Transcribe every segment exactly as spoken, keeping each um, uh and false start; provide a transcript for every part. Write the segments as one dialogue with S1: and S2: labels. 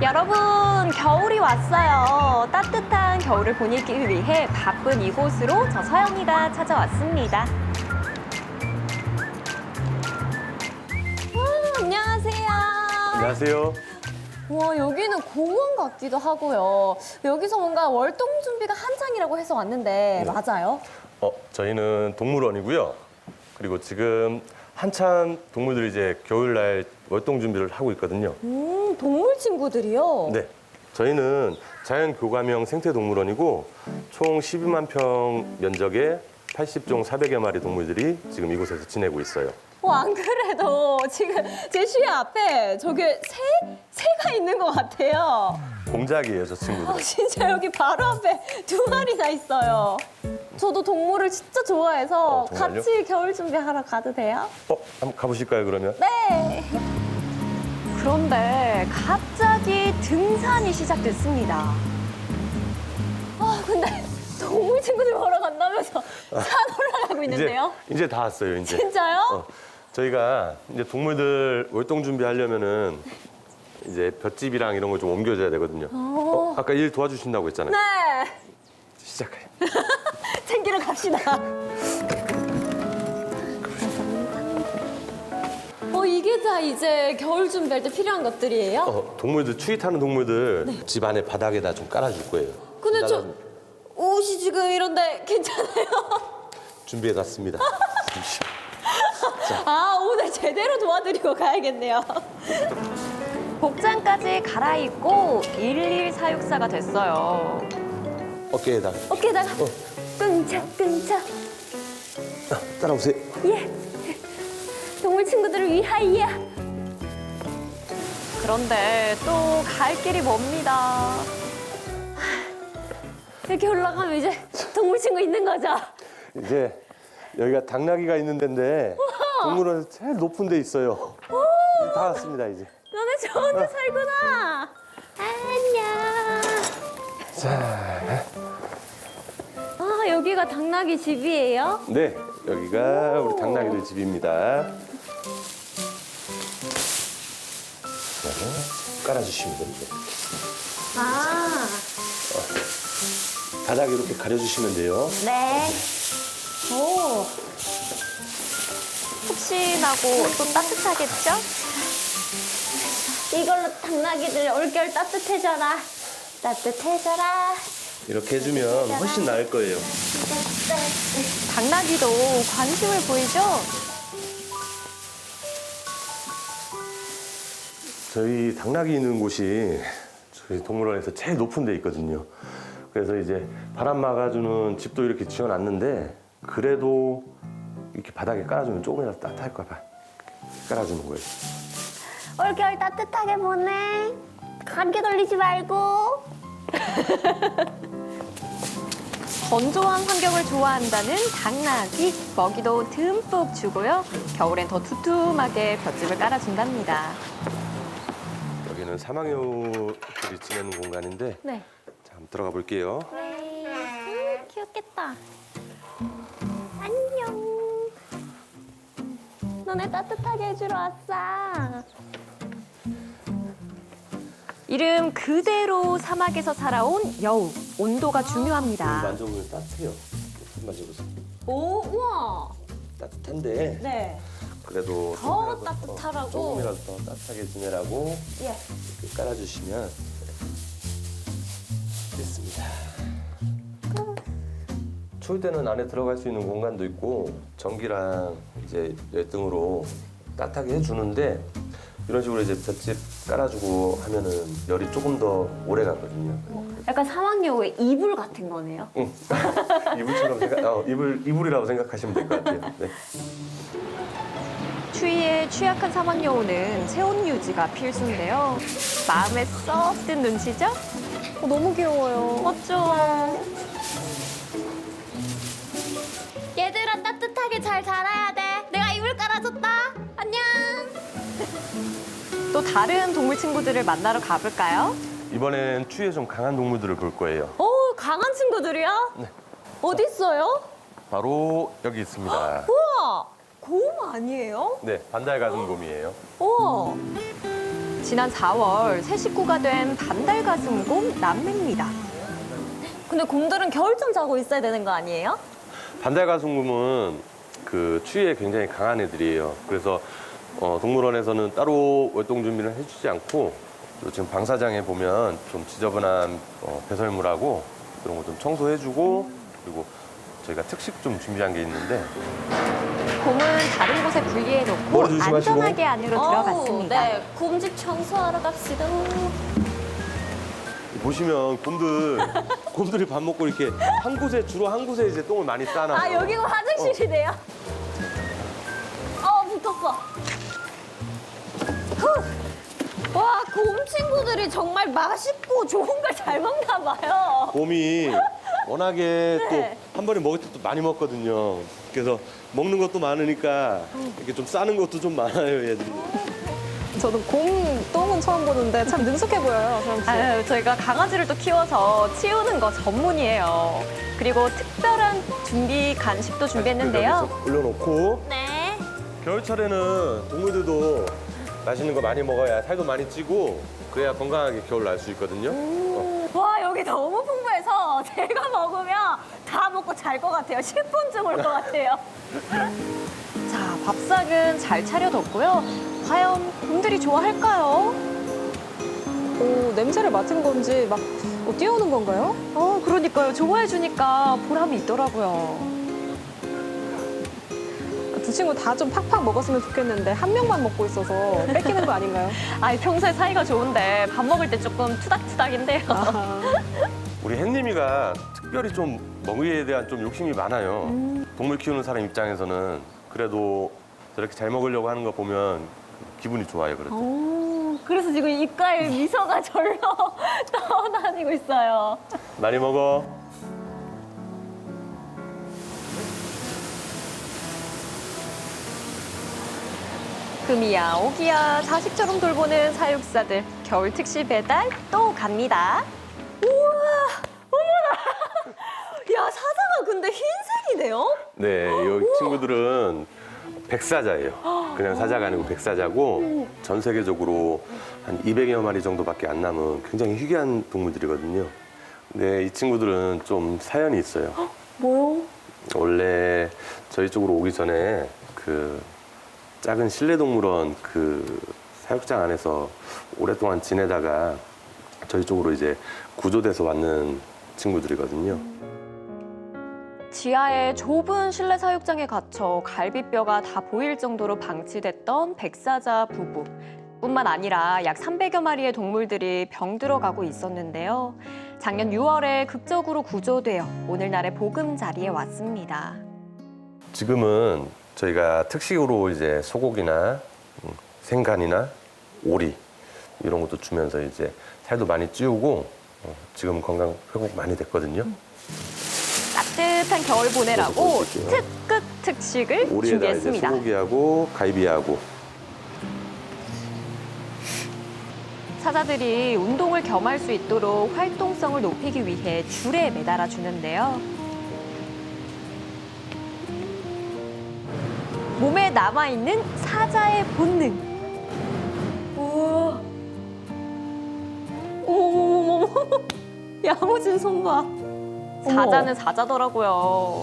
S1: 여러분, 겨울이 왔어요. 따뜻한 겨울을 보내기 위해 바쁜 이곳으로 저 서영이가 찾아왔습니다. 와, 안녕하세요.
S2: 안녕하세요.
S1: 와, 여기는 공원 같기도 하고요. 여기서 뭔가 월동 준비가 한창이라고 해서 왔는데
S2: 네.
S1: 맞아요?
S2: 어, 저희는 동물원이고요. 그리고 지금 한참 동물들이 이제 겨울날 월동 준비를 하고 있거든요.
S1: 음, 동물 친구들이요?
S2: 네. 저희는 자연교감형 생태동물원이고 총 십이만 평 면적의 팔십 종 사백여 마리 동물들이 지금 이곳에서 지내고 있어요.
S1: 어, 안 그래도 지금 제 시야 앞에 저게 새? 새가 있는 것 같아요.
S2: 공작이에요, 저
S1: 아,
S2: 친구들.
S1: 진짜 여기 바로 앞에 두 마리나 있어요. 저도 동물을 진짜 좋아해서
S2: 어, 정말요?
S1: 같이 겨울 준비하러 가도 돼요?
S2: 어, 한번 가보실까요, 그러면?
S1: 네. 그런데 갑자기 등산이 시작됐습니다. 아, 근데 동물 친구들 보러 간다면서 산 올라가고 있는데요?
S2: 이제, 이제 다 왔어요, 이제.
S1: 진짜요?
S2: 어, 저희가 이제 동물들 월동 준비하려면은 이제 볏짚이랑 이런 걸 좀 옮겨줘야 되거든요. 어, 아까 일 도와주신다고 했잖아요.
S1: 네.
S2: 시작해요.
S1: 챙기러 갑시다. 어, 이게 다 이제 겨울 준비할 때 필요한 것들이에요?
S2: 어, 동물들, 추위 타는 동물들 집 안에 바닥에다 좀 깔아줄 거예요.
S1: 근데 저
S2: 나는
S1: 옷이 지금 이런데 괜찮아요?
S2: 준비해놨습니다. 잠시.
S1: 아, 오늘 제대로 도와드리고 가야겠네요. 복장까지 갈아입고 일일 사육사가 됐어요.
S2: 어깨에다.
S1: 어깨에다가
S2: 어.
S1: 끈적끈적.
S2: 아, 따라오세요.
S1: 예. 동물 친구들을 위하여. 그런데 또 갈 길이 멉니다. 하, 이렇게 올라가면 이제 동물 친구 있는 거죠?
S2: 이제 여기가 당나귀가 있는 데인데 동물원 제일 높은 데 있어요. 다 왔습니다, 이제.
S1: 너네 저 혼자 살구나. 안녕.
S2: 자,
S1: 아, 여기가 당나귀 집이에요?
S2: 네. 여기가 우리 당나귀들 집입니다. 자, 깔아주시면 됩니다.
S1: 아,
S2: 바닥 이렇게 가려주시면 돼요.
S1: 네. 오. 혹시나고 또 따뜻하겠죠? 이걸로 당나귀들 올겨울 따뜻해져라. 따뜻해져라.
S2: 이렇게 해주면 훨씬 나을 거예요.
S1: 당나귀도 관심을 보이죠?
S2: 저희 당나귀 있는 곳이 저희 동물원에서 제일 높은 데 있거든요. 그래서 이제 바람 막아주는 집도 이렇게 지어놨는데 그래도 이렇게 바닥에 깔아주면 조금이라도 따뜻할까 봐 깔아주는 거예요.
S1: 올겨울 따뜻하게 보내. 감기 걸리지 말고. 건조한 환경을 좋아한다는 당나귀. 먹이도 듬뿍 주고요. 겨울엔 더 두툼하게 볏짚을 깔아준답니다.
S2: 여기는 사막여우들이 지내는 공간인데
S1: 네.
S2: 자, 한번 들어가 볼게요.
S1: 네. 음, 귀엽겠다. 안녕. 너네 따뜻하게 해주러 왔어. 이름 그대로 사막에서 살아온 여우. 온도가 중요합니다.
S2: 만져보면 따뜻해요. 만져보세요.
S1: 오, 우와.
S2: 따뜻한데
S1: 네.
S2: 그래도
S1: 더
S2: 조금이라도,
S1: 따뜻하라고?
S2: 어, 조금이라도 더 따뜻하게 지내라고
S1: 예.
S2: 이렇게 깔아주시면 됐습니다. 추울 때는 안에 들어갈 수 있는 공간도 있고 전기랑 이제 열등으로 따뜻하게 해주는데 이런 식으로 이제 볏짚 깔아주고 하면은 열이 조금 더 오래 가거든요.
S1: 약간 사막여우의 이불 같은 거네요.
S2: 응. 이불처럼 생각, 어, 이불 이불이라고 생각하시면 될 것 같아요. 네.
S1: 추위에 취약한 사막여우는 체온 유지가 필수인데요. 마음에 쏙 든 눈치죠? 어, 너무 귀여워요. 맞죠? 얘들아, 따뜻하게 잘 자라야 돼. 내가 이불 깔아줬다. 안녕. 또 다른 동물 친구들을 만나러 가볼까요?
S2: 이번엔 추위에 좀 강한 동물들을 볼 거예요.
S1: 오, 강한 친구들이요?
S2: 네.
S1: 어디 있어요?
S2: 바로 여기 있습니다.
S1: 우와, 곰 아니에요?
S2: 네, 반달가슴곰이에요.
S1: 우와. 지난 사월 새 식구가 된 반달가슴곰 남매입니다.
S3: 근데 곰들은 겨울잠 자고 있어야 되는 거 아니에요?
S2: 반달가슴곰은 그 추위에 굉장히 강한 애들이에요. 그래서 어, 동물원에서는 따로 월동 준비를 해주지 않고 또 지금 방사장에 보면 좀 지저분한 어, 배설물하고 이런 거 좀 청소해주고 그리고 저희가 특식 좀 준비한 게 있는데
S1: 곰은 다른 곳에 분리해놓고
S2: 머리 조심하시고.
S1: 안전하게 안으로
S3: 어우,
S1: 들어갔습니다.
S3: 네, 곰집 청소하러 갑시다.
S2: 보시면 곰들 곰들이 밥 먹고 이렇게 한 곳에 주로 한 곳에 이제 똥을 많이 싸놔요.
S3: 아, 여기가 화장실이네요? 어, 붙었어. 후. 와, 곰 친구들이 정말 맛있고 좋은 걸 잘 먹나 봐요.
S2: 곰이 워낙에
S3: 네.
S2: 또 한 번에 먹을 때 또 많이 먹거든요. 그래서 먹는 것도 많으니까 이렇게 좀 싸는 것도 좀 많아요, 얘들이.
S4: 저도 곰 똥은 처음 보는데 참 능숙해 보여요, 서영 씨.
S1: 아유, 저희가 강아지를 또 키워서 치우는 거 전문이에요. 그리고 특별한 준비 간식도 준비했는데요.
S2: 여기서 올려놓고
S3: 네.
S2: 겨울철에는 동물들도 맛있는 거 많이 먹어야 살도 많이 찌고 그래야 건강하게 겨울 날 수 있거든요. 어.
S3: 와, 여기 너무 풍부해서 제가 먹으면 다 먹고 잘 것 같아요. 십 분쯤 올 것 같아요.
S1: 자, 밥상은 잘 차려뒀고요. 과연 곰들이 좋아할까요?
S4: 오, 냄새를 맡은 건지 막 어, 뛰어오는 건가요?
S1: 어, 그러니까요. 좋아해주니까 보람이 있더라고요.
S4: 두 친구 다 좀 팍팍 먹었으면 좋겠는데 한 명만 먹고 있어서 뺏기는 거 아닌가요?
S1: 아이, 평소에 사이가 좋은데 밥 먹을 때 조금 투닥투닥인데요.
S4: 아,
S2: 우리 햇님이가 특별히 좀 먹이에 대한 좀 욕심이 많아요.
S1: 음.
S2: 동물 키우는 사람 입장에서는 그래도 저렇게 잘 먹으려고 하는 거 보면 기분이 좋아요, 그럴 때.
S3: 오, 그래서 지금 입가에 미소가 절로 떠다니고 있어요.
S2: 많이 먹어.
S1: 금이야, 오기야, 자식처럼 돌보는 사육사들. 겨울 특시 배달 또 갑니다.
S3: 야, 사자가 근데 흰색이네요?
S2: 네, 이 친구들은 백사자예요. 그냥 사자가 아니고 백사자고 전 세계적으로 한 이백여 마리 정도밖에 안 남은 굉장히 희귀한 동물들이거든요. 근데 이 친구들은 좀 사연이 있어요.
S3: 뭐요?
S2: 원래 저희 쪽으로 오기 전에 그 작은 실내동물원 그 사육장 안에서 오랫동안 지내다가 저희 쪽으로 이제 구조돼서 왔는 친구들이거든요.
S1: 지하의 좁은 실내 사육장에 갇혀 갈비뼈가 다 보일 정도로 방치됐던 백사자 부부. 뿐만 아니라 약 삼백여 마리의 동물들이 병들어가고 있었는데요. 작년 유월에 극적으로 구조되어 오늘날의 보금자리에 왔습니다.
S2: 지금은 저희가 특식으로 이제 소고기나 음, 생간이나 오리 이런 것도 주면서 이제 살도 많이 찌우고 어, 지금 건강 회복 많이 됐거든요.
S1: 따뜻한 겨울 보내라고
S2: 보여드릴게요.
S1: 특급 특식을
S2: 오리에다 이제
S1: 준비했습니다.
S2: 소고기하고 갈비하고
S1: 사자들이 운동을 겸할 수 있도록 활동성을 높이기 위해 줄에 매달아 주는데요. 몸에 남아있는 사자의 본능.
S3: 우와. 어머머머머. 야무진 손 봐.
S1: 사자는 사자더라고요.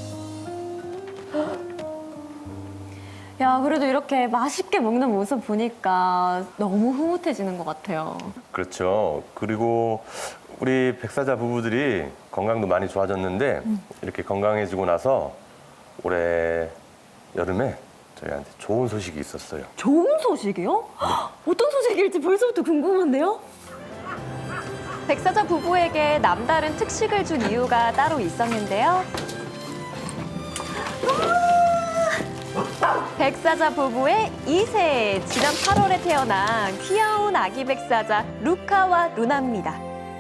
S3: 야, 그래도 이렇게 맛있게 먹는 모습 보니까 너무 흐뭇해지는 것 같아요.
S2: 그렇죠. 그리고 우리 백사자 부부들이 건강도 많이 좋아졌는데 이렇게 건강해지고 나서 올해 여름에 저희한테 좋은 소식이 있었어요.
S3: 좋은 소식이요? 어떤 소식일지 벌써부터 궁금한데요?
S1: 백사자 부부에게 남다른 특식을 준 이유가 따로 있었는데요. 백사자 부부의 이 세, 지난 팔월에 태어난 귀여운 아기 백사자 루카와 루나입니다.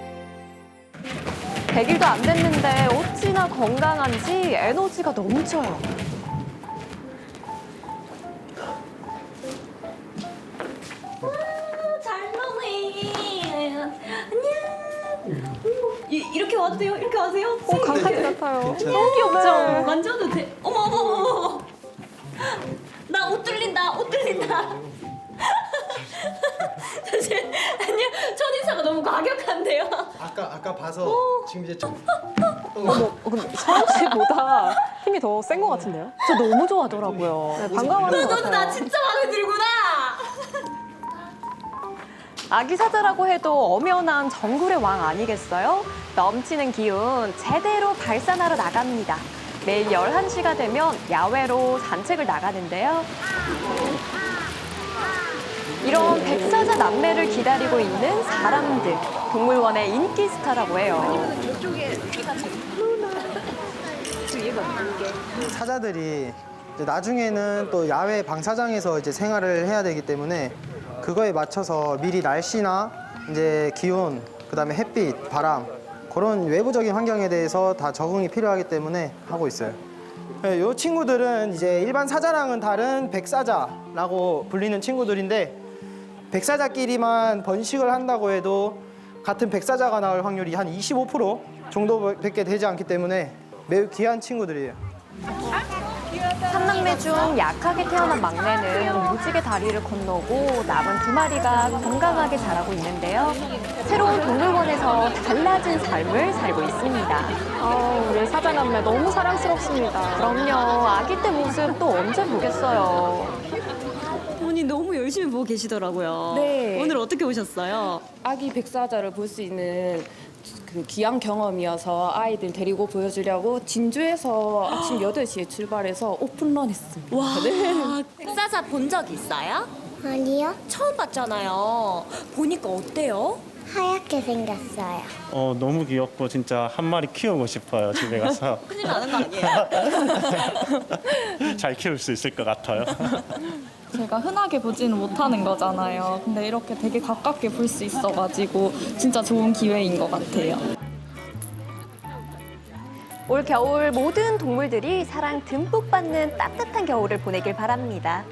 S1: 백 일도 안 됐는데 어찌나 건강한지 에너지가 넘쳐요.
S3: 잘 노네. 안녕. 이, 이렇게 와도 돼요? 이렇게 와세요?
S4: 오, 강아지 같아요.
S1: 너무 귀엽죠?
S3: 만져도 돼? 어머, 어머, 어머, 어머. 나 옷 뚫린다, 옷 뚫린다. 아니요, 첫인사가 너무 과격한데요.
S5: 아까 아까 봐서 지금 이제 좀
S4: 어머, 어, 근데 서영 씨보다 힘이 더 센 것 같은데요?
S1: 저 너무 좋아하더라고요.
S4: 네, 반가워하는 것
S3: 너도 나
S4: 같아요.
S3: 진짜 마음에 들구나.
S1: 아기 사자라고 해도 엄연한 정글의 왕 아니겠어요? 넘치는 기운 제대로 발산하러 나갑니다. 매일 열한 시가 되면 야외로 산책을 나가는데요. 이런 백사자 남매를 기다리고 있는 사람들, 동물원의 인기 스타라고 해요.
S5: 사자들이 이제 나중에는 또 야외 방사장에서 이제 생활을 해야 되기 때문에 그거에 맞춰서 미리 날씨나 이제 기온, 그다음에 햇빛, 바람 그런 외부적인 환경에 대해서 다 적응이 필요하기 때문에 하고 있어요. 네, 이 친구들은 이제 일반 사자랑은 다른 백사자라고 불리는 친구들인데 백사자끼리만 번식을 한다고 해도 같은 백사자가 나올 확률이 한 이십오 퍼센트 정도밖에 되지 않기 때문에 매우 귀한 친구들이에요.
S1: 삼남매 중 약하게 태어난 막내는 무지개 다리를 건너고 남은 두 마리가 건강하게 자라고 있는데요. 새로운 동물원에서 달라진 삶을 살고 있습니다.
S4: 아, 우리 사자 남매 너무 사랑스럽습니다.
S1: 그럼요. 아기 때 모습 또 언제 보겠어요.
S3: 어머니 너무 열심히 보고 계시더라고요.
S6: 네.
S3: 오늘 어떻게 오셨어요?
S6: 아기 백사자를 볼 수 있는 그 귀한 경험이어서 아이들 데리고 보여주려고 진주에서 아침 여덟 시에 출발해서 오픈런 했습니다.
S3: 와, 백사자 본 적 있어요?
S7: 아니요,
S3: 처음 봤잖아요. 보니까 어때요?
S7: 하얗게 생겼어요.
S8: 어, 너무 귀엽고 진짜 한 마리 키우고 싶어요. 집에 가서
S3: 큰일 나는 거 아니에요?
S8: 잘 키울 수 있을 것 같아요.
S9: 제가 흔하게 보지는 못하는 거잖아요. 근데 이렇게 되게 가깝게 볼 수 있어가지고 진짜 좋은 기회인 것 같아요.
S1: 올 겨울 모든 동물들이 사랑 듬뿍 받는 따뜻한 겨울을 보내길 바랍니다.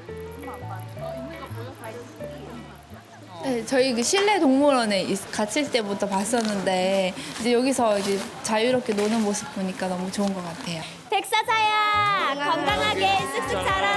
S10: 네, 저희 그 실내 동물원에 있- 갇힐 때부터 봤었는데 이제 여기서 이제 자유롭게 노는 모습 보니까 너무 좋은 것 같아요.
S3: 백사자야, 건강하게 쓱쓱 자라.